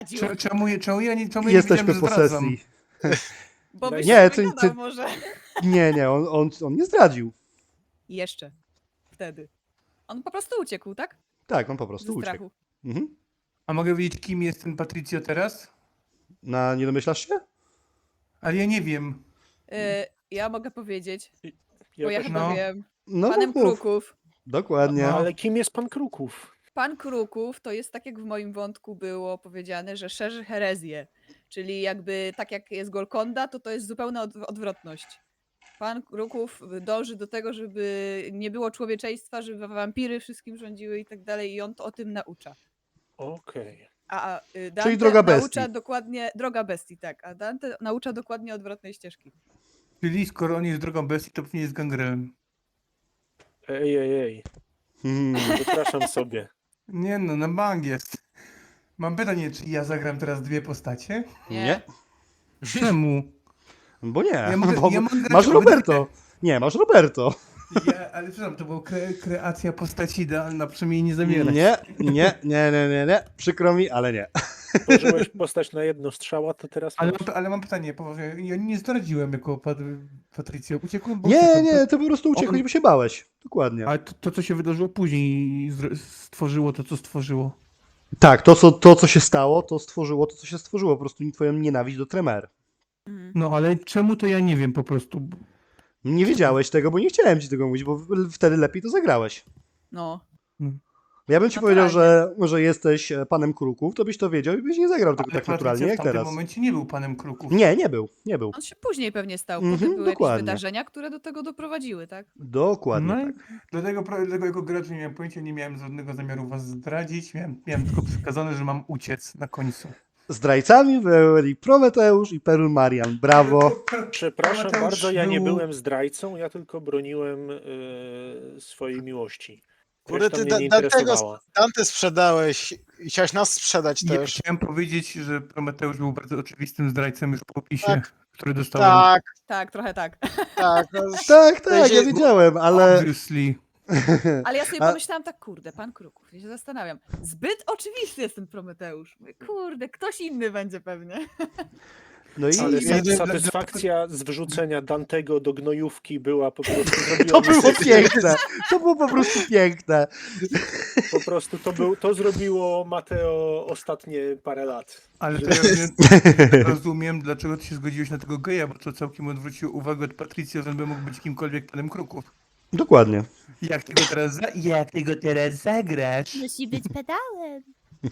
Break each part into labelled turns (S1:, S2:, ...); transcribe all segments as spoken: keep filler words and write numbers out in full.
S1: Cze- Czemu, czemu ja nie, czemu ja nie
S2: Jesteśmy
S1: wiedziałem,
S2: po
S1: że zdradzam?
S2: sesji.
S3: Bo byś
S2: Nie,
S3: nie,
S2: to-
S3: wygadał
S2: to-
S3: może.
S2: Nie, nie, on, on, on nie zdradził.
S3: Jeszcze. Wtedy. On po prostu uciekł, tak?
S2: Tak, on po
S3: Ze
S2: prostu uciekł.
S3: strachu.
S2: Mhm.
S1: A mogę wiedzieć, kim jest ten Patricio teraz?
S2: Na, nie domyślasz się?
S1: Ale ja nie wiem.
S3: Y, ja mogę powiedzieć,
S4: Ja
S3: bo ja
S4: też-
S3: chyba
S1: no.
S3: wiem.
S2: No
S3: Panem
S2: mów, mów.
S3: Kruków.
S2: Dokładnie.
S1: No.
S4: Ale kim jest pan Kruków?
S3: Pan Kruków to jest tak, jak w moim wątku było powiedziane, że szerzy herezję. Czyli jakby tak jak jest Golkonda, to to jest zupełna odw- odwrotność. Pan Kruków dąży do tego, żeby nie było człowieczeństwa, żeby wampiry wszystkim rządziły i tak dalej, i on to o tym naucza.
S4: Okej.
S3: A y, Dante
S2: droga bestii.
S3: naucza dokładnie, droga bestii, tak, a Dante naucza dokładnie odwrotnej ścieżki.
S1: Czyli skoro on jest drogą bestii, to pewnie jest gangrelem.
S4: Ej, ej, ej.
S2: Hmm.
S4: Wypraszam sobie.
S1: Nie no, na bank jest. Mam pytanie, czy ja zagram teraz dwie postacie?
S2: Nie.
S1: Czemu?
S2: Bo nie.
S1: Ja mogę-
S2: bo
S1: ja mogę grać
S2: masz
S1: obydwie.
S2: Roberto. Nie, masz Roberto.
S1: Ja, ale przepraszam, to była kre, kreacja postaci idealna, przynajmniej nie zamierać.
S2: Nie, nie, nie, nie, nie, nie. Przykro mi, ale nie.
S4: Tworzyłeś postać na jedno strzała, to teraz
S1: Ale,
S4: masz.
S1: mam, ale mam pytanie, poważnie. Ja nie zdradziłem jako pat, Patrycjo. Uciekłem, bo
S2: Nie,
S1: uciekłem.
S2: nie, ty po prostu uciekłeś,
S1: on-
S2: bo się bałeś. Dokładnie.
S1: Ale to, to, co się wydarzyło później, zr- stworzyło to, co stworzyło.
S2: Tak, to co, to, co się stało, to stworzyło to, co się stworzyło. Po prostu twoją nienawiść do Tremere.
S3: Mhm.
S1: No, ale czemu to ja nie wiem po prostu.
S2: Nie wiedziałeś tego, bo nie chciałem ci tego mówić, bo w- wtedy lepiej to zagrałeś.
S3: No.
S2: Ja bym ci
S3: Naturalnie.
S2: powiedział, że, że jesteś e, panem Kruków, to byś to wiedział i byś nie zagrał tego
S1: Ale
S2: tak naturalnie
S1: Patrycja
S2: jak
S1: w tamtym
S2: teraz.
S1: momencie nie był panem Kruków.
S2: Nie, nie był, nie był.
S3: On się później pewnie stał,
S2: Mhm,
S3: potem były
S2: dokładnie.
S3: jakieś wydarzenia, które do tego doprowadziły, tak?
S2: Dokładnie
S1: No i
S2: tak.
S1: dlatego, pro- dlatego jako gracz nie miałem pojęcia, nie miałem żadnego zamiaru was zdradzić. Miałem, miałem tylko przekazane, że mam uciec na końcu.
S2: Zdrajcami byli Prometeusz i Perul Marian. Brawo.
S4: Przepraszam
S1: Mateusz
S4: bardzo, ja nie
S1: był-
S4: byłem zdrajcą, ja tylko broniłem e, swojej miłości.
S5: Kurde,
S4: Reszta
S5: ty
S4: mnie
S5: da-
S4: nie
S5: Dantego
S4: interesowała.
S5: Dante sprzedałeś i chciałeś nas sprzedać
S1: Ja
S5: też.
S1: chciałem powiedzieć, że Prometeusz był bardzo oczywistym zdrajcą już po opisie,
S5: Tak.
S1: który dostałem.
S5: Tak,
S3: Tak, trochę tak.
S5: tak. No,
S2: Tak, tak, ja
S5: Będzie-
S2: wiedziałem, ale
S1: Obviously.
S3: Ale ja sobie
S2: A-
S3: pomyślałam tak, kurde, pan Kruków, ja się zastanawiam. Zbyt oczywisty jest ten Prometeusz. Mówię, kurde, ktoś inny będzie pewnie.
S2: no i
S4: Ale
S1: I-
S4: sa-
S1: i-
S4: satysfakcja z wrzucenia Dantego do gnojówki była po prostu zrobiła
S2: to
S4: mi
S2: było
S4: serce.
S2: piękne. To było po prostu piękne.
S4: Po prostu to, był, to zrobiło Mateo ostatnie parę lat.
S1: Ale to ja wiem, rozumiem, dlaczego ty się zgodziłeś na tego geja, bo to całkiem odwróciło uwagę od Patricio, że by mógł być kimkolwiek panem Kruków.
S2: Dokładnie.
S1: Jak ty go teraz, za... Jak ty go teraz zagrasz?
S6: Musi być pedałem.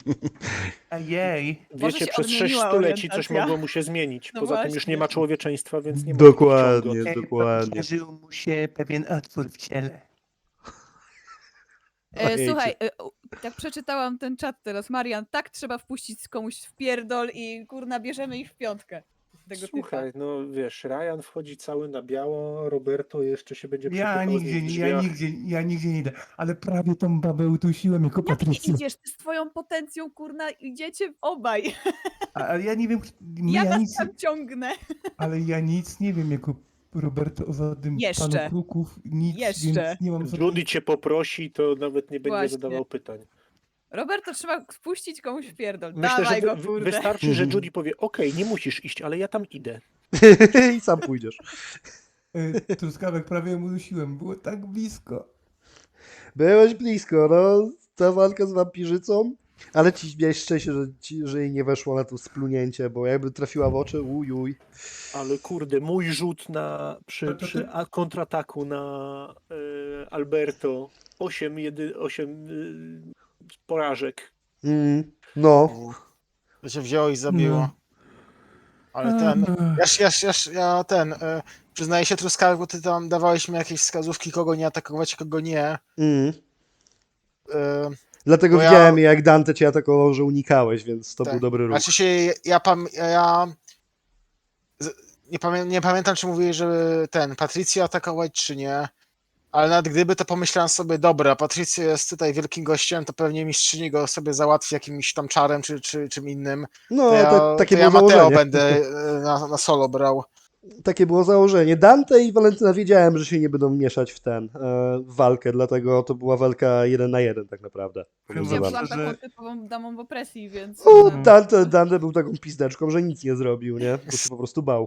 S1: Ojej.
S3: Może
S4: Wiecie,
S3: się
S4: przez sześć
S3: odmieniła
S4: stuleci coś
S3: orientacja.
S4: mogło mu się zmienić.
S3: No
S4: Poza tym już
S3: właśnie.
S4: nie ma człowieczeństwa, więc nie ma
S2: Dokładnie,
S4: takich
S2: dokładnie.
S1: Otworzył mu się pewien otwór w ciele.
S3: E,
S2: Ojejcie.
S3: słuchaj, e, u- tak przeczytałam ten czat teraz, Marian, tak trzeba wpuścić komuś w pierdol i kurna, bierzemy ich w piątkę. Tego
S4: Słuchaj,
S3: typa.
S4: no wiesz, Ryan wchodzi cały na biało, Roberto jeszcze się będzie
S1: Ja
S4: przypychał z
S1: nigdzie,
S4: nim w
S1: nie- ja
S4: drzwiach.
S1: nigdzie, ja nigdzie nie idę. Ale prawie tą babę udusiłem jako
S3: Jak nie
S1: Patrycjo.
S3: idziesz? Ty z twoją potencją, kurna, idziecie obaj.
S1: A- Ale ja nie wiem,
S3: Ja,
S1: ja
S3: was
S1: nic,
S3: tam ciągnę.
S1: ale ja nic nie wiem jako Roberto o żadnym
S3: Jeszcze.
S1: panu Kruków, nic,
S3: Jeszcze.
S1: więc nie mam
S4: Judy
S1: żadnej...
S4: cię poprosi, to nawet nie będzie
S3: Właśnie.
S4: zadawał pytań.
S3: Roberto, trzeba wpuścić komuś w pierdol.
S4: Myślę,
S3: Dawaj
S4: że
S3: go,
S4: wy,
S3: kurde.
S4: wystarczy, że
S2: Mhm.
S4: Judy powie, okej, nie musisz iść, ale ja tam idę.
S2: I sam pójdziesz.
S1: E, Truskawek prawie ją udusiłem, było tak blisko.
S2: Byłeś blisko, no. Ta walka z wampirzycą. Ale ci miałeś szczęście, że, ci, że jej nie weszło na to splunięcie, bo jakby trafiła w oczy, ujuj.
S4: Ale kurde, mój rzut na, przy,
S1: To- to ty-
S4: przy a- kontrataku na e, Alberto, osiem, jedy, osiem e, porażek.
S2: Mm, no.
S5: to się wzięło i zabiło.
S1: No.
S5: Ale ten,
S1: Ech.
S5: ja, ja, ja, ja ten, e, przyznaję się Truskawek, bo ty tam dawałeś mi jakieś wskazówki, kogo nie atakować, kogo nie.
S2: Mm.
S5: E,
S2: Dlatego
S5: Bo ja-
S2: widziałem, jak Dante cię atakował, że unikałeś, więc to
S5: Tak.
S2: był dobry ruch.
S5: Znaczy się, ja, pam, ja z- nie, pamię, nie pamiętam, czy mówiłeś, żeby ten, Patrycję atakować, czy nie. Ale nawet gdyby, to pomyślałem sobie, dobra, Patrycja jest tutaj wielkim gościem, to pewnie mistrzyni go sobie załatwi jakimś tam czarem, czy, czy czym innym.
S2: No,
S5: To ja,
S2: tak, takie
S5: to ja
S2: było
S5: Mateo
S2: założenie.
S5: będę e, na, na solo brał.
S2: takie było założenie. Dante i Walentyna wiedziałem, że się nie będą mieszać w ten, e, w walkę, dlatego to była walka jeden na jeden tak naprawdę.
S1: Powiem
S3: Ja
S1: wam
S2: Pomiędzy
S3: byłam
S2: wami.
S1: szczerze-
S3: taką typową damą w opresji, więc...
S2: O,
S3: e,
S2: Dante, Dante był taką pizdeczką, że nic nie zrobił, nie? Bo się po prostu bał.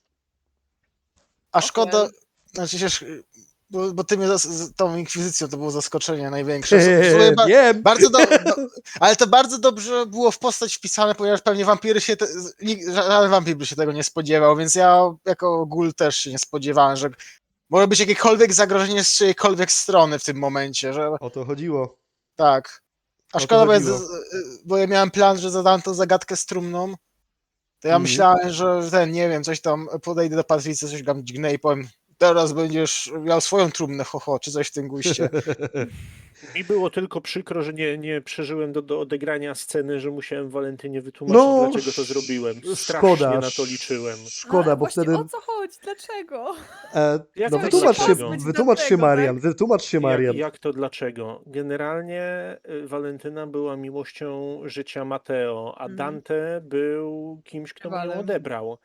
S5: A szkoda,
S3: well.
S5: znaczy się, bo, bo ty mnie zas- z tą inkwizycją to było zaskoczenie największe. W sumie ba-
S2: Wiem!
S5: bardzo do, do, ale to bardzo dobrze było w postać wpisane, ponieważ pewnie wampiry się, te, nikt- żaden wampir by się tego nie spodziewał, więc ja jako gul też się nie spodziewałem, że może być jakiekolwiek zagrożenie z czyjejkolwiek strony w tym momencie, że
S2: O to chodziło.
S5: tak. A
S2: O to
S5: szkoda, bo ja,
S2: chodziło.
S5: z- bo ja miałem plan, że zadam tą zagadkę z trumną, to ja
S2: Mhm.
S5: myślałem, że ten, nie wiem, coś tam, podejdę do Patrycji, coś tam dźgnę i powiem, teraz będziesz miał swoją trumnę, ho, ho, czy coś w tym guście.
S4: Mi było tylko przykro, że nie, nie przeżyłem do, do odegrania sceny, że musiałem Walentynie wytłumaczyć,
S2: No,
S4: dlaczego to zrobiłem.
S2: sz-
S4: Strasznie
S2: szkoda,
S4: na to liczyłem.
S2: Szkoda,
S3: ale
S2: bo
S3: właśnie
S2: wtedy...
S3: o co chodzi? Dlaczego?
S2: E,
S4: Jak
S2: no
S4: to
S2: wytłumacz się,
S4: dlaczego?
S2: wytłumacz się
S3: Dlatego,
S2: Marian,
S3: tak?
S2: wytłumacz się Marian.
S4: Jak, jak to dlaczego? Generalnie y, Walentyna była miłością życia Mateo, a
S3: Mhm.
S4: Dante był kimś, kto mu ją
S3: Rywalem.
S4: odebrał.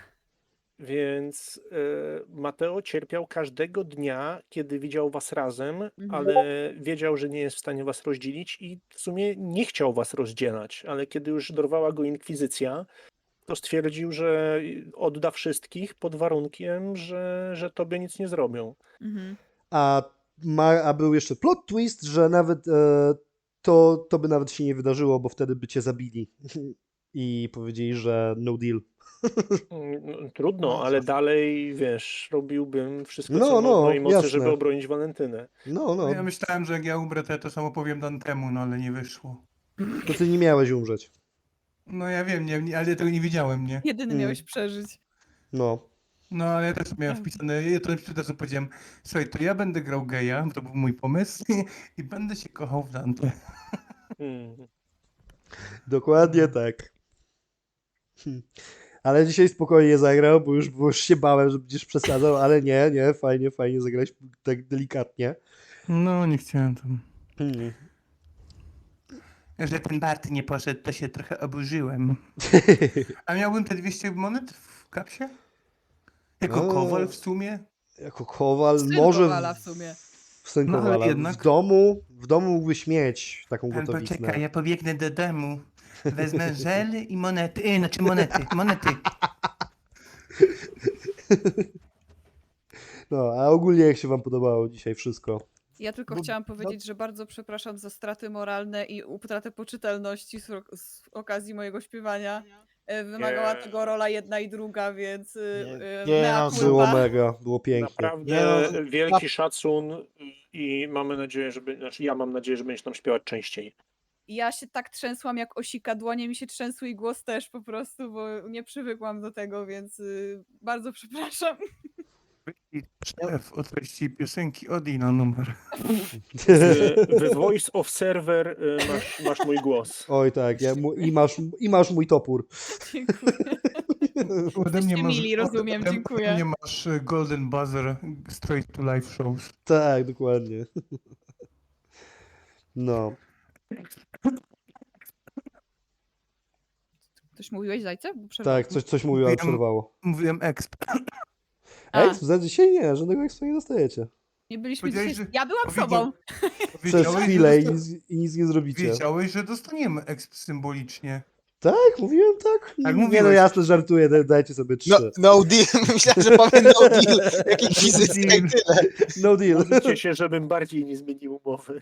S4: Więc y, Mateo cierpiał każdego dnia, kiedy widział was razem,
S3: Mhm.
S4: ale wiedział, że nie jest w stanie was rozdzielić i w sumie nie chciał was rozdzielać, ale kiedy już dorwała go inkwizycja, to stwierdził, że odda wszystkich pod warunkiem, że, że tobie nic nie zrobią.
S3: Mhm.
S2: A, ma, a był jeszcze plot twist, że nawet e, to, to by nawet się nie wydarzyło, bo wtedy by cię zabili. I powiedzieli, że no deal.
S4: Mm, no, Trudno,
S5: No,
S4: ale
S5: to-
S4: dalej, wiesz, robiłbym wszystko,
S2: No,
S4: co
S2: no,
S4: w mojej mocy,
S2: jasne.
S4: żeby obronić Walentynę.
S2: No, no,
S1: Ja myślałem, że jak ja umrę, to ja to samo powiem Dantemu, no ale nie wyszło.
S2: to ty nie miałeś umrzeć.
S1: No ja wiem, nie, nie, ale ja tego nie widziałem, nie?
S3: Jedyny
S2: Mm.
S3: miałeś przeżyć.
S2: No.
S1: No ale ja też miałem wpisane, ja to od razu powiedziałem, słuchaj, to ja będę grał geja, bo to był mój pomysł, i będę się kochał w Dante.
S4: Mm.
S2: Dokładnie tak. Hm. Ale dzisiaj spokojnie zagrał, bo już, bo już się bałem, że będziesz przesadzał, ale nie, nie, fajnie, fajnie zagrałeś tak delikatnie.
S1: No, nie chciałem tam.
S2: Hmm.
S1: Że ten Bart nie poszedł, to się trochę oburzyłem. A miałbym te dwieście monet w kapsie? Jako
S2: O.
S1: kowal w sumie?
S2: Jako kowal,
S3: Syn
S2: może
S3: Kowala w sumie.
S2: w syn
S1: No, ale
S2: Kowala.
S1: jednak.
S2: W domu, w domu mógłbyś mieć taką
S1: Pan
S2: gotowiznę.
S1: poczekaj, ja pobiegnę do domu. Wezmę żel i monety. E, znaczy monety, monety.
S2: No, a ogólnie jak się wam podobało dzisiaj wszystko?
S3: Ja tylko
S5: Bo-
S3: chciałam
S5: no-
S3: powiedzieć, że bardzo przepraszam za straty moralne i utratę poczytalności z, z okazji mojego śpiewania. E, Wymagała
S4: Nie.
S3: tego rola jedna i druga, więc y,
S5: Nie.
S3: y,
S5: Nie,
S3: mea
S5: no,
S3: culpa.
S2: Było mega, było pięknie.
S4: Naprawdę
S5: Nie no,
S4: wielki szacun i mamy nadzieję, że be- znaczy ja mam nadzieję, że będziesz tam śpiewać częściej.
S3: Ja się tak trzęsłam jak osika, dłonie mi się trzęsły i głos też po prostu, bo nie przywykłam do tego, więc y, bardzo przepraszam.
S1: I szef o treści piosenki Odi na numer.
S4: W, w Voice of Server y, masz, masz mój głos.
S2: Oj tak, ja, mu- i, masz, i masz mój topór.
S3: Dziękuję.
S1: Ode mnie
S3: Jesteście
S1: masz,
S3: mili, rozumiem,
S1: ode-
S3: dziękuję.
S1: Ode mnie masz e, Golden Buzzer Straight to Life Shows.
S2: Tak, dokładnie. No.
S3: Coś mówiłeś, Zajce? Bo przerwałam.
S2: Tak, coś, coś mówił, ale
S1: Wiem.
S2: przerwało.
S1: Mówiłem exp.
S3: A,
S2: Exp? Za dzisiaj nie, żadnego expa nie dostajecie.
S3: nie byliśmy
S1: Powiedziałeś,
S3: dzisiaj...
S1: że-
S3: Ja byłam
S1: powiedział-
S3: sobą.
S2: Przez
S1: Wiedziałeś,
S2: chwilę i
S1: że,
S2: nic, i nic nie zrobicie.
S1: wiedziałeś, że dostaniemy exp symbolicznie.
S2: Tak, mówiłem tak?
S1: Tak,
S2: nie no
S1: mówiłeś.
S2: jasne, żartuję, daj- dajcie sobie trzy.
S5: No, no deal, myślałem, że powiem no deal, jak inkwizycja i tyle.
S2: No deal.
S4: Módlcie się, żebym bardziej nie zmienił umowy.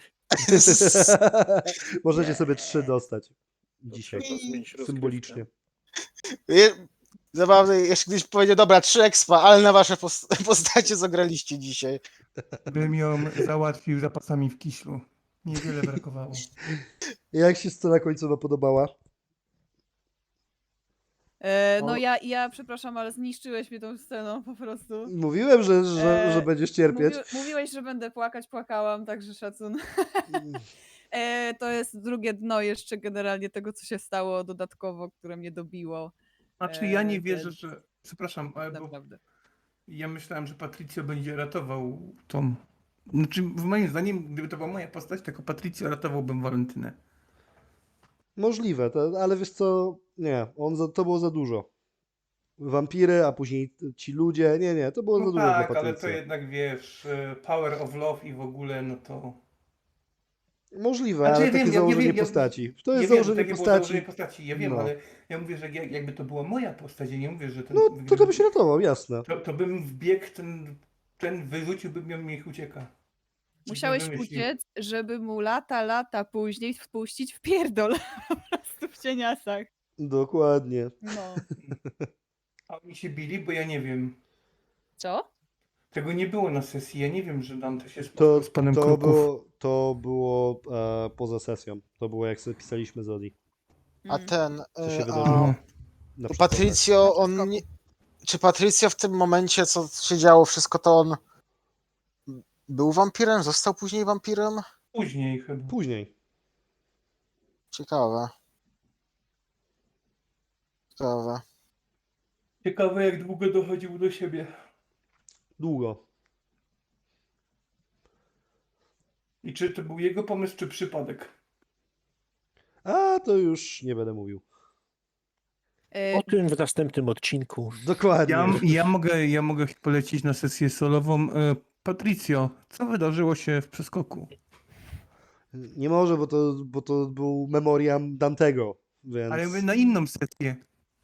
S2: Możecie sobie trzy dostać. Dzisiaj.
S4: Trzeba zmienić rozgrywkę.
S2: Symbolicznie.
S5: Je- Zabawne, jeszcze kiedyś powiedział, dobra, trzy expa, ale na wasze pos- postacie zagraliście dzisiaj.
S1: Bym ją załatwił zapasami w kiślu. Niewiele brakowało.
S2: Jak się scena końcowa podobała?
S3: E, no
S2: O.
S3: ja, ja przepraszam, ale zniszczyłeś mnie tą sceną po prostu.
S2: Mówiłem, że, że,
S3: E,
S2: że będziesz cierpieć.
S3: Mówi, mówiłeś, że będę płakać, płakałam, także szacun. E, to jest drugie dno jeszcze generalnie tego, co się stało dodatkowo, które mnie dobiło.
S1: Znaczy ja nie
S3: Eee,
S1: wierzę,
S3: ten-
S1: że... Przepraszam, ale bo
S3: Naprawdę.
S1: ja myślałem, że Patricio będzie ratował tą... Znaczy, w moim zdaniem, gdyby to była moja postać, tylko Patricio ratowałbym Walentynę.
S2: Możliwe, to, ale wiesz co, nie, on za, to było za dużo. wampiry, a później ci ludzie. Nie, nie, to było za
S1: No
S2: dużo dla
S1: tak, ale to
S2: Patrycja.
S1: jednak wiesz, y, Power of Love i w ogóle, no to...
S2: Możliwe,
S1: Znaczy,
S2: ale
S1: ja
S2: takie
S1: wiem, ja- ja
S2: założenie
S1: wiem, ja-
S2: postaci. To
S1: Ja
S2: jest
S1: wiem,
S2: założenie
S1: takie było
S2: postaci.
S1: założenie postaci, ja wiem,
S2: No.
S1: ale ja mówię, że jak- jakby to była moja postać, ja nie mówię, że ten...
S2: No, to
S1: gdyby-
S2: to byś ratował, jasne.
S1: to, to bym wbiegł, ten, ten wyrzuciłbym ją i niech ucieka.
S3: Musiałeś
S1: Bym wymyślił.
S3: uciec, żeby mu lata, lata później wpuścić w pierdol po prostu w cieniasach.
S2: Dokładnie.
S3: No.
S1: A oni się bili, bo ja nie wiem.
S3: Co?
S1: Tego nie było na sesji, ja nie wiem, że Dante się
S2: To,
S1: spotkał z panem
S2: to
S1: Kruków.
S2: było, to było e, poza sesją. To było jak sobie pisaliśmy z Odi.
S5: A
S3: Mm.
S5: ten.
S2: Co się
S5: y,
S2: wydarzyło?
S5: A,
S1: No.
S2: Na
S5: to
S2: przykład.
S5: Patricio,
S3: Na
S5: on.
S3: przeskoku.
S5: Nie, czy Patricio w tym momencie, co się działo, wszystko to on. Był wampirem? Został później wampirem?
S1: Później chyba.
S2: Później.
S5: Ciekawe. Ciekawe.
S1: Ciekawe, jak długo dochodził do siebie.
S2: Długo.
S1: I czy to był jego pomysł, czy przypadek?
S2: A to już nie będę mówił.
S3: E,
S4: O tym w następnym odcinku.
S2: Dokładnie.
S1: Ja, ja, mogę, ja mogę polecić na sesję solową. E, Patricio, co wydarzyło się w przeskoku?
S2: Nie może, bo to, bo to był memoriam Dantego, więc...
S1: Ale mówię na inną sesję.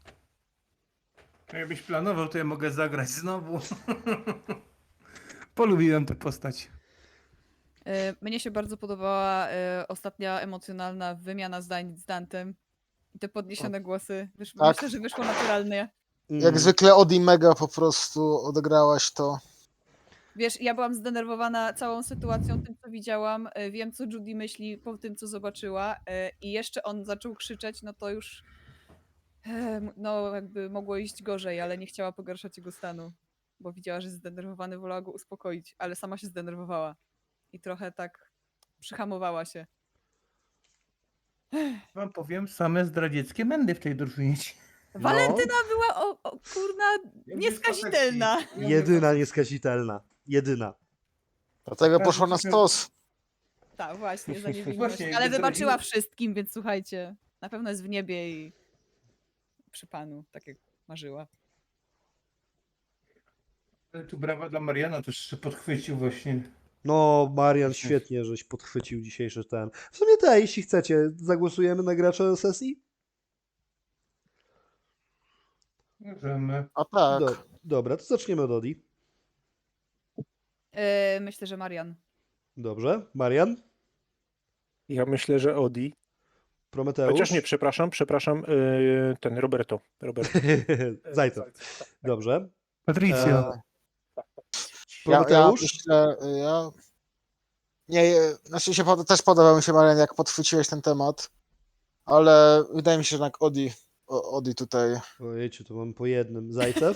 S1: Jakbyś planował, to ja mogę zagrać znowu. Polubiłem tę postać.
S3: e, mnie się bardzo podobała e, ostatnia emocjonalna wymiana zdań z Dantem. I te podniesione głosy. Wysz,
S5: Tak.
S3: Myślę, że wyszło naturalnie.
S2: Mm.
S5: Jak zwykle Odi Mega po prostu odegrałaś to.
S3: Wiesz, ja byłam zdenerwowana całą sytuacją, tym co widziałam. e, Wiem, co Judy myśli po tym, co zobaczyła. e, I jeszcze on zaczął krzyczeć, no to już e, m- no jakby mogło iść gorzej, ale nie chciała pogarszać jego stanu. Bo widziała, że jest zdenerwowany, wolała go uspokoić, ale sama się zdenerwowała. I trochę tak przyhamowała się.
S1: Wam powiem, same zdradzieckie mędy w tej drużynie.
S2: No,
S3: Walentyna była o, o kurna nieskazitelna.
S2: jedyna nieskazitelna. Jedyna.
S5: Dlatego
S1: Tak,
S5: poszła na
S1: trochę-
S5: stos.
S3: Tak, właśnie, za niewinność.
S1: Właśnie,
S3: Ale
S1: jakby
S3: wybaczyła
S1: zdradziła-
S3: wszystkim, więc słuchajcie, na pewno jest w niebie i przy Panu, tak jak marzyła.
S1: Ale tu brawa dla Mariana też się podchwycił właśnie.
S2: No, Marian, świetnie, żeś podchwycił dzisiejszy ten. W sumie te, jeśli chcecie, zagłosujemy na gracza sesji?
S1: Możemy.
S5: A tak.
S2: Do, dobra, to zaczniemy od Odi.
S3: E, myślę, że Marian.
S2: Dobrze. Marian?
S4: Ja myślę, że Odi.
S2: Prometeusz?
S4: Chociaż nie, przepraszam, przepraszam, yy, ten Roberto. Roberto.
S2: Zajce. Dobrze.
S1: Patricio.
S2: E,
S5: Ja, ja
S2: Prometeusz?
S5: myślę, ja. Nie, znaczy się pod, też podobał mi się, Marian, jak podchwyciłeś ten temat. Ale wydaje mi się, że jednak Odi. o- Odi tutaj.
S2: Ojejciu, to mam po jednym. Zajcew?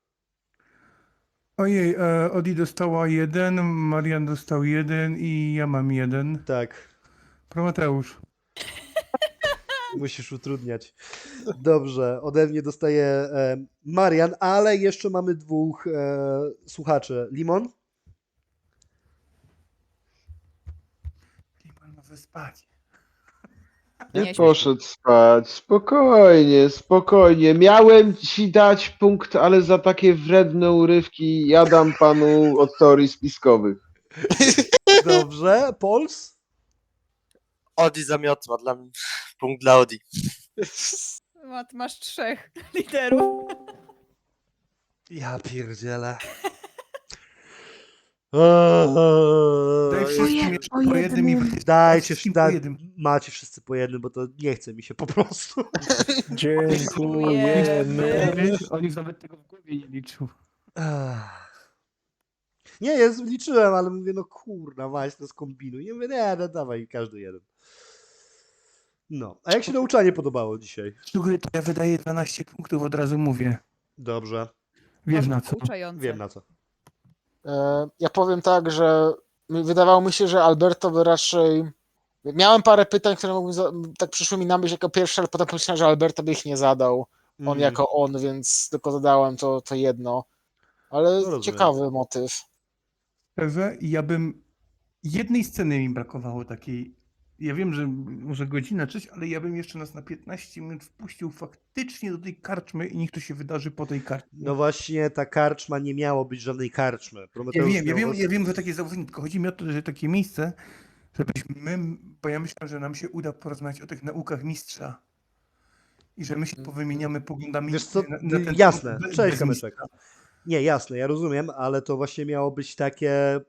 S1: Ojej, e, Odi dostała jeden, Marian dostał jeden i ja mam jeden.
S2: Tak.
S1: Prometeusz.
S2: Musisz utrudniać. Dobrze, ode mnie dostaje e, Marian, ale jeszcze mamy dwóch e, słuchaczy. Limon?
S1: Limon może spać.
S3: Nie
S6: Nie
S3: śmiej
S6: poszedł spać. Spokojnie, spokojnie. Miałem ci dać punkt, ale za takie wredne urywki ja dam panu od teorii spiskowych.
S2: Dobrze. Pols?
S7: Odi zamiotła, dla mnie punkt dla Odi.
S3: Mat, masz trzech literów.
S2: Ja pierdzielę.
S1: Daj wszystkim jeszcze po jednym i
S2: Dajcie,
S1: wszystkim po
S2: da,
S1: jednym.
S2: macie wszyscy po jednym, bo to nie chce mi się po prostu.
S4: Dziękujemy.
S1: Wiesz, on już nawet tego w głowie nie liczył.
S2: Ach. Nie, ja liczyłem, ale mówię, no kurna, weź to skombinuj. Nie mówię, nie, no dawaj, każdy jeden. No, a jak się nauczanie podobało dzisiaj?
S1: Słuchaj, to ja wydaję dwanaście punktów, od razu mówię.
S2: Dobrze,
S1: Wiesz na co.
S3: Pouczające.
S2: wiem na co.
S5: E, Ja powiem tak, że mi- wydawało mi się, że Alberto by raczej. Miałem parę pytań, które mógłbym za... tak przyszły mi na myśl jako pierwsze, ale potem pomyślałem, że Alberto by ich nie zadał. On
S2: Mm.
S5: jako on, więc tylko zadałem to, to jedno. Ale
S2: rozumiem.
S5: ciekawy motyw.
S1: Szczerze, ja bym... Jednej sceny mi brakowało takiej Ja wiem, że może godzina, czyś, ale ja bym jeszcze nas na piętnaście minut wpuścił faktycznie do tej karczmy i niech to się wydarzy po tej karczmie.
S2: No właśnie, ta karczma nie miało być żadnej karczmy.
S1: Ja
S2: Prometeusz
S1: wiem, ja
S2: miał
S1: wiem,
S2: was-
S1: ja wiem, że takie założenie, tylko chodzi mi o to, że takie miejsce, żebyśmy my, bo ja myślę, że nam się uda porozmawiać o tych naukach mistrza i że my się powymieniamy poglądami
S2: Wiesz co,
S1: na, na ten
S2: jasne,
S1: temat be-
S2: cześć
S1: bez
S2: kamyczek.
S1: mistrza.
S2: Nie, jasne, ja rozumiem, ale to właśnie miało być takie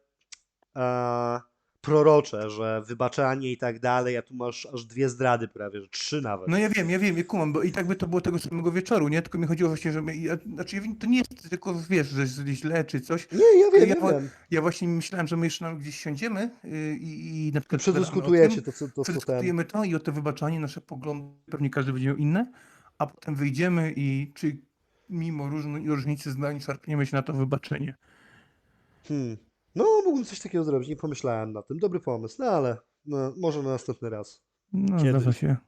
S2: e, prorocze, że wybaczanie i tak dalej, a tu masz aż dwie zdrady prawie, że trzy nawet.
S1: No ja wiem, ja wiem, ja kumam, bo i tak by to było tego samego wieczoru, nie? Tylko mi chodziło właśnie, że my, ja, znaczy ja wiem, to nie jest tylko, wiesz, że jest źle czy coś.
S2: Nie, ja wiem,
S1: Ja
S2: ja
S1: wo-
S2: wiem.
S1: Ja właśnie myślałem, że my jeszcze nam gdzieś siądziemy yy, i, i na
S2: I
S1: przykład pogadamy o
S2: przedyskutujecie
S1: tym,
S2: to, co to, co ten.
S1: przedyskutujemy to i o to wybaczanie, nasze poglądy, pewnie każdy będzie miał inne, a potem wyjdziemy i czy mimo różn- różnicy zdań szarpniemy się na to wybaczenie.
S2: Hmm. No, mógłbym coś takiego zrobić, nie pomyślałem na tym. Dobry pomysł, no ale no, może na następny raz.
S1: No
S2: Kiedyś.
S1: zdarza się.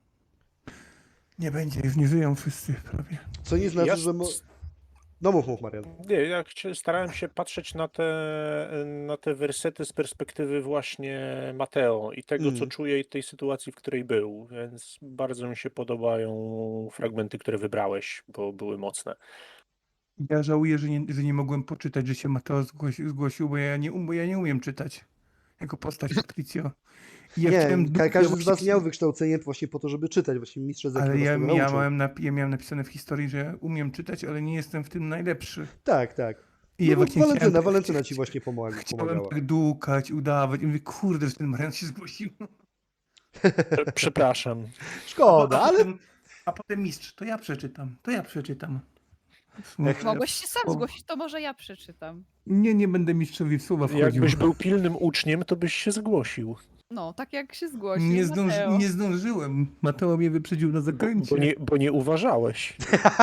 S1: Nie będzie, już nie żyją wszyscy prawie.
S2: Co nie znaczy,
S4: Ja
S2: że... Mo...
S4: s-
S2: No mów, mów, Marian.
S4: Nie, ja chcia- starałem się patrzeć na te, na te wersety z perspektywy właśnie Mateo i tego, co
S2: Mm.
S4: czuje i tej sytuacji, w której był, więc bardzo mi się podobają fragmenty, które wybrałeś, bo były mocne.
S1: Ja żałuję, że nie, że nie mogłem poczytać, że się Mateo zgłosił, zgłosił bo, ja nie, um- bo ja nie umiem czytać jako postać Patricio. I ja
S2: nie,
S1: chciałem
S2: ka-
S1: du- ja
S2: każdy z
S1: właśnie
S2: was
S1: chci-
S2: miał wykształcenie właśnie po to, żeby czytać. Właśnie mistrz Ezekiel
S1: Ale
S2: nas
S1: ja,
S2: tego
S1: ja,
S2: nauczył.
S1: miałem napi- ja miałem napisane w historii, że ja umiem czytać, ale nie jestem w tym najlepszy.
S2: Tak, tak.
S1: I
S2: No
S1: ja
S2: bo
S1: właśnie
S2: Walentyna,
S1: chciałem,
S2: Walentyna ci właśnie pomaga,
S1: chciałem
S2: pomagała.
S1: tak dłukać, udawać. I mówię, kurde, że ten Marian się zgłosił.
S4: Prze- Przepraszam.
S2: Szkoda,
S1: a,
S2: ale
S1: potem, a potem mistrz, to ja przeczytam, to ja przeczytam.
S2: Jak-
S3: Mogłeś się sam
S1: O.
S3: zgłosić, to może ja przeczytam.
S1: Nie, nie będę mistrzowi w słowa wchodził.
S4: Jakbyś był pilnym uczniem, to byś się zgłosił.
S3: No, tak jak się zgłosił
S1: Nie,
S3: Mateo.
S1: zdąży, nie zdążyłem. Mateo mnie wyprzedził na
S4: Bo,
S1: zakręcie.
S4: bo, nie, bo nie uważałeś.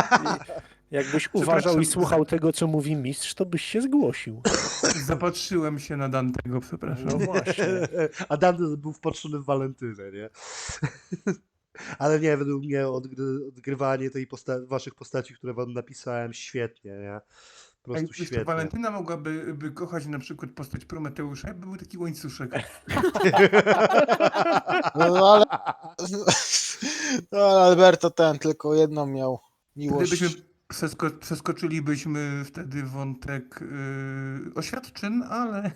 S4: Jakbyś uważał
S1: Przepraszam.
S4: i słuchał tego, co mówi mistrz, to byś się zgłosił.
S1: Zapatrzyłem się na Dantego, przepraszam.
S4: No właśnie.
S2: A Dante był wpatrzony w Walentynę, nie? Ale nie, według mnie odgry, odgrywanie tej posta waszych postaci, które wam napisałem, świetnie, nie? Po
S1: A
S2: prostu
S1: jeszcze
S2: świetnie.
S1: Walentyna mogłaby by kochać na przykład postać Prometeusza, jakby był taki łańcuszek.
S5: No ale... No ale Alberto ten tylko jedną miał miłość.
S1: Gdybyśmy przesko przeskoczylibyśmy wtedy wątek yy, oświadczyn, ale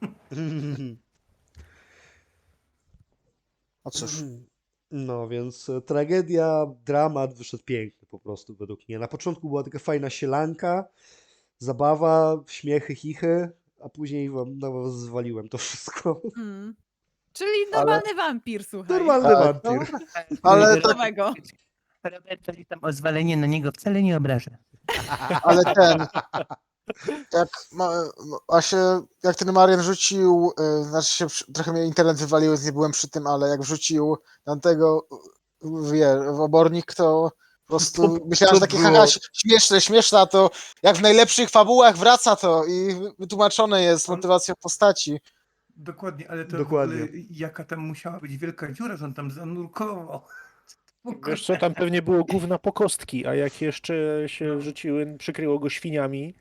S5: No cóż.
S2: No więc e, tragedia, dramat wyszedł piękny po prostu według mnie. Na początku była taka fajna sielanka, zabawa, śmiechy, chichy, a później wam, na was zwaliłem to wszystko.
S3: Mm. Czyli normalny wampir, słuchaj.
S2: Normalny
S5: Tak,
S2: wampir.
S5: Ale, tak,
S3: Nowego.
S1: Roberto tam o zwalenie na niego wcale nie obrażę.
S5: ale ten... Jak, ma, a się, jak ten Marian wrzucił, y, znaczy się przy- trochę mnie internet wywalił, więc nie byłem przy tym, ale jak wrzucił tamtego y, wie, w obornik, to po prostu
S2: To-
S5: myślałem,
S2: to
S5: że takie
S2: było-
S5: haha, śmieszne, śmieszne, a to jak w najlepszych fabułach wraca to i wytłumaczone jest motywacją postaci.
S1: Dokładnie, ale to
S2: Dokładnie.
S1: w ogóle jaka tam musiała być wielka dziura, że on tam zanurkował.
S4: Wiesz co, tam pewnie było gówna po kostki, a jak jeszcze się wrzuciły, przykryło go świniami.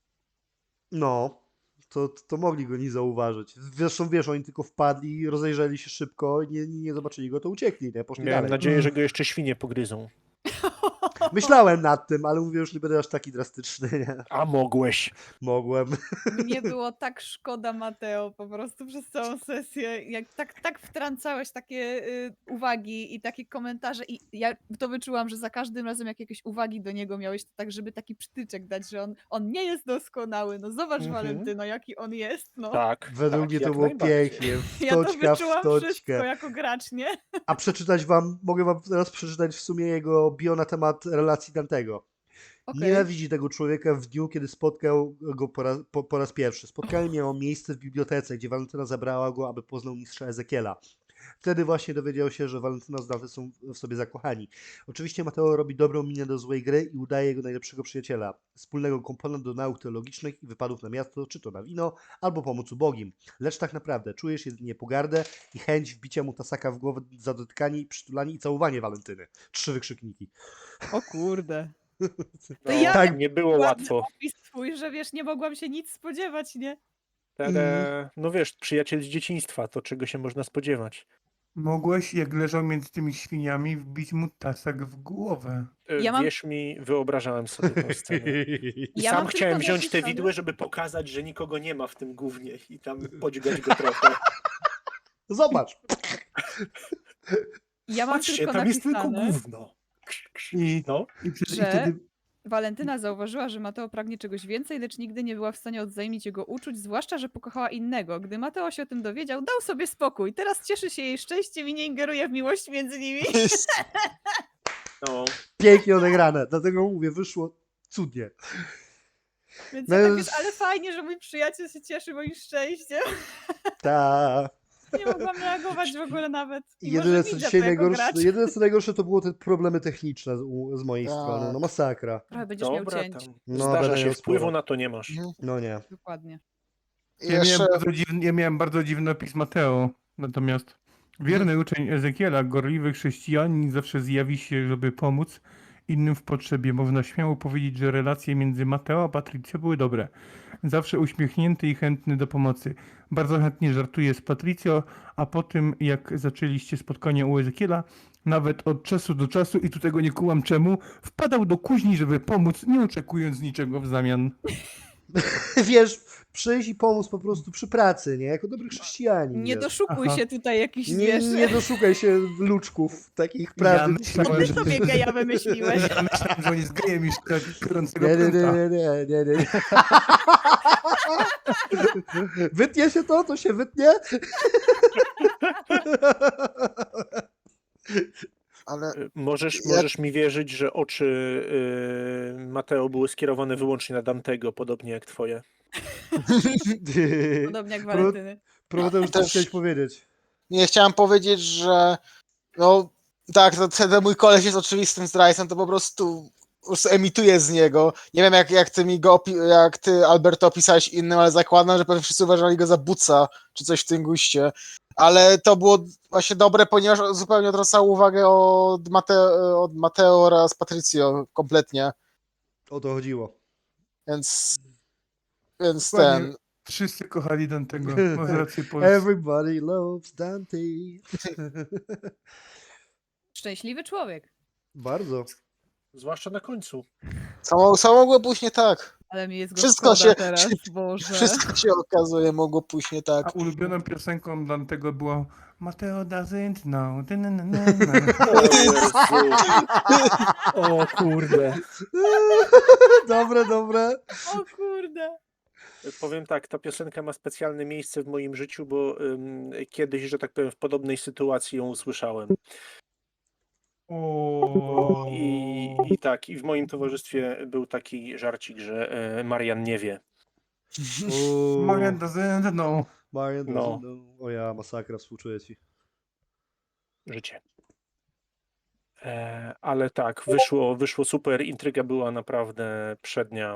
S2: No, to, to mogli go nie zauważyć. Zresztą wiesz, oni tylko wpadli, rozejrzeli się szybko, nie, nie zobaczyli go, to uciekli, nie? Poszli
S4: Miałem
S2: dalej.
S4: nadzieję, że go jeszcze świnie pogryzą.
S2: Myślałem nad tym, ale mówię, już nie będę aż taki drastyczny, nie?
S4: A mogłeś.
S2: Mogłem.
S3: Mnie było tak szkoda Mateo po prostu przez całą sesję. Jak tak, tak wtrącałeś takie y, uwagi i takie komentarze i ja to wyczułam, że za każdym razem jak jakieś uwagi do niego miałeś, to tak żeby taki przytyczek dać, że on, on nie jest doskonały. No zobacz
S4: Mhm.
S3: Walentyno, jaki on jest. No.
S4: Tak.
S2: Według
S4: tak,
S2: mnie to
S4: jak
S2: było
S4: najbardziej.
S2: pięknie.
S3: Ja to
S2: Wtoczka w
S3: wyczułam wszystko
S2: wtoczkę.
S3: jako gracz, nie?
S2: A przeczytać wam, mogę wam teraz przeczytać w sumie jego bio na temat relacji Dantego.
S3: Okej.
S2: Nienawidzi tego człowieka w dniu, kiedy spotkał go po raz, po, po raz pierwszy. Spotkanie miało miejsce w bibliotece, gdzie Walentyna zabrała go, aby poznał mistrza Ezekiela. Wtedy właśnie dowiedział się, że Walentyna z Dante są w sobie zakochani. Oczywiście Mateo robi dobrą minę do złej gry i udaje jego najlepszego przyjaciela. Wspólnego kompana do nauk teologicznych i wypadów na miasto, czy to na wino, albo pomoc ubogim. Lecz tak naprawdę czujesz jedynie pogardę i chęć wbicia mu tasaka w głowę za dotykanie, przytulanie i całowanie Walentyny. Trzy wykrzykniki.
S3: O kurde.
S4: No,
S3: ja
S2: tak
S4: nie było
S3: Ładny
S4: łatwo.
S3: opis twój, że wiesz, nie mogłam się nic spodziewać, nie?
S4: Ale, no wiesz, przyjaciel z dzieciństwa, to czego się można spodziewać.
S1: Mogłeś, jak leżał między tymi świniami, wbić mu tasek w głowę.
S4: E,
S3: Ja mam-
S4: Wierz mi, wyobrażałem sobie tę scenę. I
S3: Ja
S4: sam
S3: mam
S4: chciałem
S3: tylko
S4: wziąć te
S3: zapisane-
S4: widły, żeby pokazać, że nikogo nie ma w tym gównie i tam podźgać go trochę.
S2: Zobacz.
S3: Ja mam
S4: Patrzcie,
S3: tylko
S4: tam jest tylko
S3: napisane,
S4: gówno.
S1: I,
S4: No,
S1: i, przecież- i
S3: że
S1: wtedy
S3: Walentyna zauważyła, że Mateo pragnie czegoś więcej, lecz nigdy nie była w stanie odzajmić jego uczuć, zwłaszcza, że pokochała innego. Gdy Mateo się o tym dowiedział, dał sobie spokój. Teraz cieszy się jej szczęściem i nie ingeruje w miłość między nimi.
S4: no.
S2: Pięknie odegrane, dlatego mówię, wyszło cudnie.
S3: Więc
S2: No
S3: ja tak
S2: już-
S3: wiesz, ale fajnie, że mój przyjaciel się cieszy moim szczęściem.
S2: Ta.
S3: Nie mogłam reagować w ogóle nawet.
S2: I
S3: Mimo,
S2: jedyne
S3: że
S2: co
S3: widzę
S2: dzisiaj
S3: to jako
S2: najgorsze,
S3: gracz.
S2: jedyne co najgorsze to było te problemy techniczne z, u- z mojej
S5: Tak.
S2: strony. No masakra.
S3: Trochę będziesz miał
S4: Dobra,
S3: cięć.
S4: tam.
S2: No,
S4: Zdarza
S2: będę
S4: się,
S2: miał
S4: wpływu
S2: sporo.
S4: na to nie masz.
S5: Mhm.
S2: No nie.
S3: Dokładnie.
S5: I
S1: ja, miałem
S5: jeszcze
S1: bardzo dziwny, ja miałem bardzo dziwny opis Mateo. Natomiast wierny uczeń Ezekiela, gorliwy chrześcijanin, zawsze zjawi się, żeby pomóc innym w potrzebie. Można śmiało powiedzieć, że relacje między Mateo a Patrycją były dobre. Zawsze uśmiechnięty i chętny do pomocy. Bardzo chętnie żartuje z Patrycją, a po tym jak zaczęliście spotkanie u Ezekiela, nawet od czasu do czasu, i tu tego nie kułam czemu, wpadał do kuźni, żeby pomóc, nie oczekując niczego w zamian.
S2: Wiesz, przyjść i pomóc po prostu przy pracy, nie? Jako dobry chrześcijanin.
S3: Nie
S2: wiesz.
S3: doszukuj
S1: Aha.
S3: się tutaj jakichś,
S2: nie,
S3: wiesz,
S2: nie doszukaj się luczków takich
S1: Ja
S2: prawdy.
S1: myślałem,
S3: ty
S1: że
S3: sobie geja wymyśliłeś.
S1: Ja myślałem, że on jest gejem już tak gorącego
S2: Nie, nie, nie,
S1: prąta.
S2: nie, nie, nie, nie. Wytnie się to, to się wytnie.
S5: ale
S4: Y, Możesz,
S5: Ja-
S4: możesz mi wierzyć, że oczy y, Mateo były skierowane wyłącznie na Dantego, podobnie jak twoje.
S3: Podobnie jak Walentyny.
S2: Próbuję już
S5: Też-
S2: coś chcieć powiedzieć.
S5: nie chciałem powiedzieć, że no tak, to ten mój koleś jest oczywistym zdrajcą, to po prostu, po prostu emituje z niego. Nie wiem jak, jak ty mi go opi- jak ty Alberto opisałeś innym, ale zakładam, że pewnie wszyscy uważali go za buca, czy coś w tym guście. Ale to było właśnie dobre, ponieważ zupełnie odwracało uwagę od, Mateo, od Mateo oraz Patricio kompletnie.
S2: O to chodziło.
S5: Więc więc
S1: Dokładnie.
S5: ten.
S1: Wszyscy kochali Dantego. Masz rację, Polsce.
S2: Everybody loves Dante.
S3: Szczęśliwy człowiek.
S2: Bardzo.
S4: Zwłaszcza na końcu.
S5: Co, mo- co mogło pójść nie tak?
S3: Ale mi jest go
S5: Wszystko
S3: szkoda
S5: się-
S3: teraz, Boże.
S5: Wszystko się okazuje, mogło pójść nie tak.
S1: A ulubioną piosenką Dantego było Mateo doesn't know. Ty, na, na, na, na.
S4: O Jezu. O kurde.
S2: Dobre, dobre.
S3: O kurde.
S4: Powiem tak, ta piosenka ma specjalne miejsce w moim życiu, bo ym, kiedyś, że tak powiem, w podobnej sytuacji ją usłyszałem.
S1: O.
S4: I, I tak, i w moim towarzystwie był taki żarcik, że e, Marian nie wie.
S2: Uuu,
S1: Marian doesn't know.
S2: Marian
S4: No.
S2: doesn't know. O ja, masakra, współczuję ci.
S4: Życie. E, ale tak, wyszło, wyszło super, intryga była naprawdę przednia.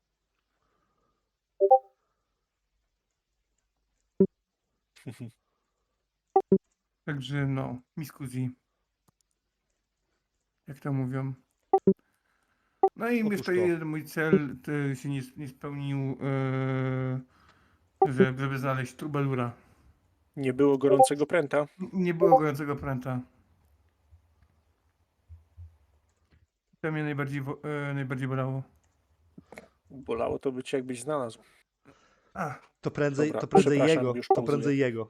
S1: Także no, miskuzi. Jak to mówią. No i
S2: Otóż
S1: jeszcze
S2: to.
S1: jeden mój cel to się nie, nie spełnił, yy, że, żeby znaleźć Trubelura.
S4: Nie było gorącego pręta.
S1: Nie było gorącego pręta. To mnie najbardziej, wo- e, najbardziej bolało.
S4: Bolało to by cię jakbyś znalazł.
S1: A,
S2: To prędzej,
S4: Dobra,
S2: to prędzej
S4: przepraszam,
S2: jego.
S4: już
S2: To
S4: pauzuję.
S2: prędzej jego.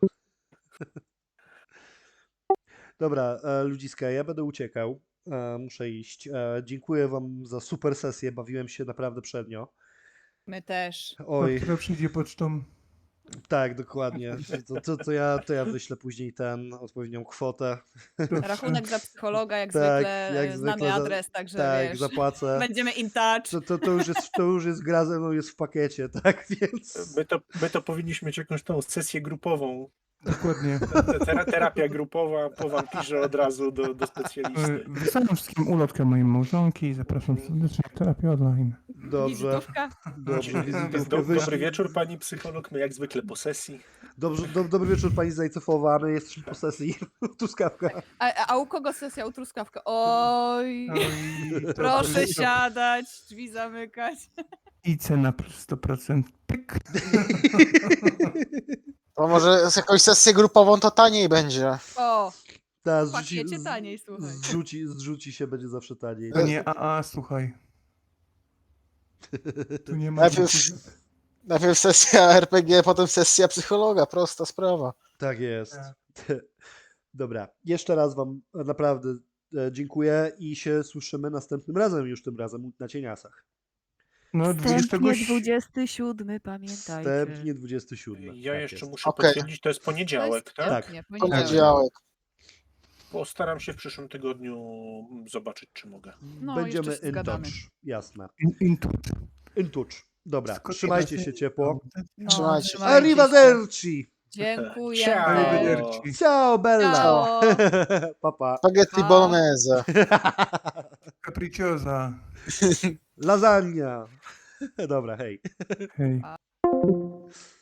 S2: Dobra, e, ludziska, ja będę uciekał. E, muszę iść. E, dziękuję wam za super sesję. Bawiłem się naprawdę przednio.
S3: My też.
S2: Oj,
S1: która przyjdzie pocztą.
S2: tak, dokładnie. To, to, to, ja, to ja wyślę później ten odpowiednią kwotę.
S3: Rachunek za psychologa, jak
S2: Tak,
S3: zwykle.
S2: jak
S3: e,
S2: zwykle
S3: Znamy
S2: za-
S3: adres, także
S2: Tak,
S3: wiesz.
S2: zapłacę.
S3: Będziemy in touch.
S2: To, to, to, już jest, to już jest gra ze mną, jest w pakiecie, tak? Więc.
S4: My to, my to powinniśmy mieć jakąś tą sesję grupową.
S1: Dokładnie.
S4: Te- tera- Terapia grupowa po wampirze od razu do, do
S1: E,
S4: specjalisty.
S1: Wysyłam wszystkim ulotkę mojej małżonki i zapraszam serdecznie na terapię online.
S2: Dobrze,
S3: Wizytówka.
S2: dobrze.
S4: Do,
S2: Wizytówkę
S4: dobry
S2: wyślij.
S4: wieczór, pani psycholog. My jak zwykle po sesji.
S2: Dobrze, do, dobry wieczór pani Zajcefowa, my jesteśmy po sesji. Truskawka.
S3: A, a u kogo sesja u truskawka? Oj.
S1: Oj, to-
S3: Proszę
S1: to-
S3: siadać, drzwi zamykać.
S1: I cena plus sto procent. Pyk.
S5: To może z jakąś sesję grupową to taniej będzie.
S3: O,
S2: Ta,
S3: w
S2: zrzuci,
S3: pakiecie taniej, słuchaj.
S2: zrzuci, zrzuci się, będzie zawsze taniej.
S1: To nie A A, słuchaj. Tu nie ma
S5: Najpierw,
S1: dziękuję.
S5: najpierw sesja R P G, potem sesja psychologa, prosta sprawa.
S2: Tak jest. Dobra, jeszcze raz wam naprawdę e, dziękuję i się słyszymy następnym razem, już tym razem na cieniasach.
S1: No,
S3: Wstępnie
S1: dwudziestego...
S3: dwudziesty siódmy, pamiętajcie.
S2: Wstępnie dwudziestego siódmego.
S4: Ja
S2: tak
S4: jeszcze
S2: jest.
S4: muszę
S5: Okej.
S4: potwierdzić, to jest poniedziałek, tak?
S2: Tak.
S3: Wstępnie,
S5: Poniedziałek.
S4: Postaram się w przyszłym tygodniu zobaczyć, czy mogę.
S3: No,
S2: Będziemy
S3: jeszcze się
S2: in
S3: zgadamy.
S2: touch. Jasne.
S1: In, in touch.
S2: In touch. Dobra,
S1: Skąd
S2: trzymajcie
S1: ja
S2: się
S1: się-
S2: ciepło.
S3: No,
S5: Trzymajcie się.
S3: trzymajcie się.
S2: Arrivederci!
S3: Dziękuję.
S4: Ciao.
S1: Arrivederci.
S2: Ciao bella!
S3: Ciao.
S2: Papa.
S5: Spaghetti
S3: Pa.
S5: bolognese.
S1: Capricciosa.
S2: Lasagna. Dobra, hej.
S1: Hej.